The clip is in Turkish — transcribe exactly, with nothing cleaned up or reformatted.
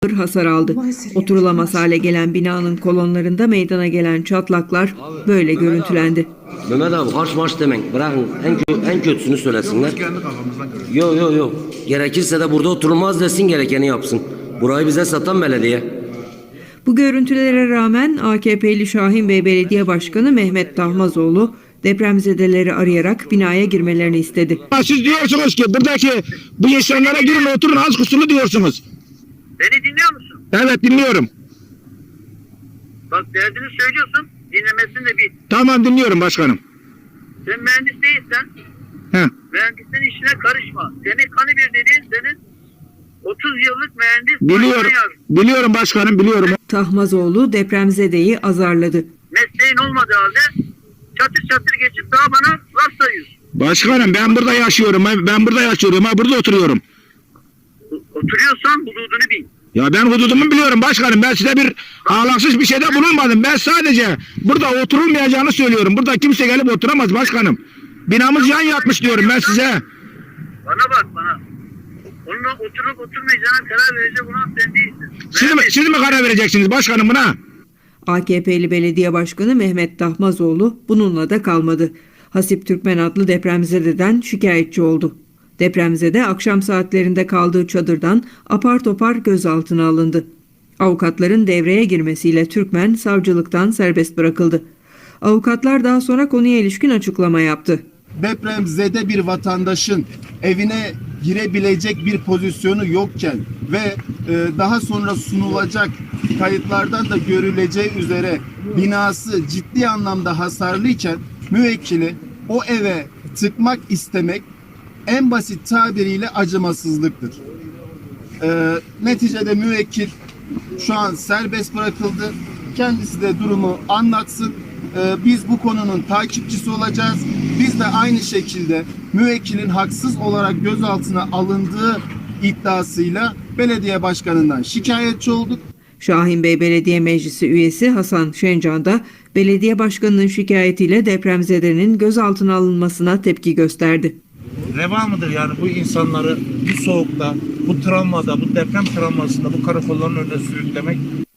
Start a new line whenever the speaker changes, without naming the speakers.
hasar aldı. Oturulamaz hale gelen binanın kolonlarında meydana gelen çatlaklar böyle görüntülendi.
Mehmet abi harç marş demek. Bırakın en, kö en kötüsünü söylesinler. Yok yok yok. Gerekirse de burada oturulmaz desin, gerekeni yapsın. Burayı bize satan belediye.
Bu görüntülere rağmen A K P'li Şahinbey Belediye Başkanı Mehmet Tahmazoğlu depremzedeleri arayarak binaya girmelerini istedi.
Siz diyorsunuz ki buradaki bu insanlara girin oturun az kusurlu diyorsunuz.
Beni dinliyor musun?
Evet dinliyorum.
Bak derdini söylüyorsun, dinlemesini de bil.
Tamam dinliyorum başkanım.
Sen mühendis değilsen,
He.
mühendisin işine karışma. Senin kanı bir dediğin senin otuz yıllık mühendis.
Biliyorum. Biliyorum başkanım biliyorum.
Tahmazoğlu depremzedeyi azarladı.
Mesleğin olmadığı halde çatır çatır geçip daha bana laf sayıyorsun.
Başkanım ben burada yaşıyorum. Ben, ben burada yaşıyorum. Ha burada oturuyorum.
Oturuyorsan hududunu bil.
Ya ben hududumu biliyorum başkanım. Ben size bir ahlaksız bir şeyde bulunmadım. Ben sadece burada oturulmayacağını söylüyorum. Burada kimse gelip oturamaz başkanım. Binamız yan yatmış diyorum ben size.
Bana bak bana. Onunla oturup oturmayacağına karar verecek olan sen değilsin.
Siz mi, siz mi karar vereceksiniz başkanım buna?
A K P'li Belediye Başkanı Mehmet Tahmazoğlu bununla da kalmadı. Hasip Türkmen adlı depremzededen şikayetçi oldu. Depremzede akşam saatlerinde kaldığı çadırdan apar topar gözaltına alındı. Avukatların devreye girmesiyle Türkmen savcılıktan serbest bırakıldı. Avukatlar daha sonra konuya ilişkin açıklama yaptı.
Depremzede bir vatandaşın evine girebilecek bir pozisyonu yokken ve e, daha sonra sunulacak kayıtlardan da görüleceği üzere binası ciddi anlamda hasarlıyken müvekkili o eve tıkmak istemek en basit tabiriyle acımasızlıktır. E, neticede müvekkil şu an serbest bırakıldı. Kendisi de durumu anlatsın. E, biz bu konunun takipçisi olacağız. Biz de aynı şekilde müvekkilin haksız olarak gözaltına alındığı iddiasıyla belediye başkanından şikayetçi olduk.
Şahinbey Belediye Meclisi üyesi Hasan Şencan da belediye başkanının şikayetiyle depremzedenin gözaltına alınmasına tepki gösterdi.
Reva mıdır yani bu insanları bu soğukta, bu travmada, bu deprem travmasında bu karakolların önüne sürüklemek?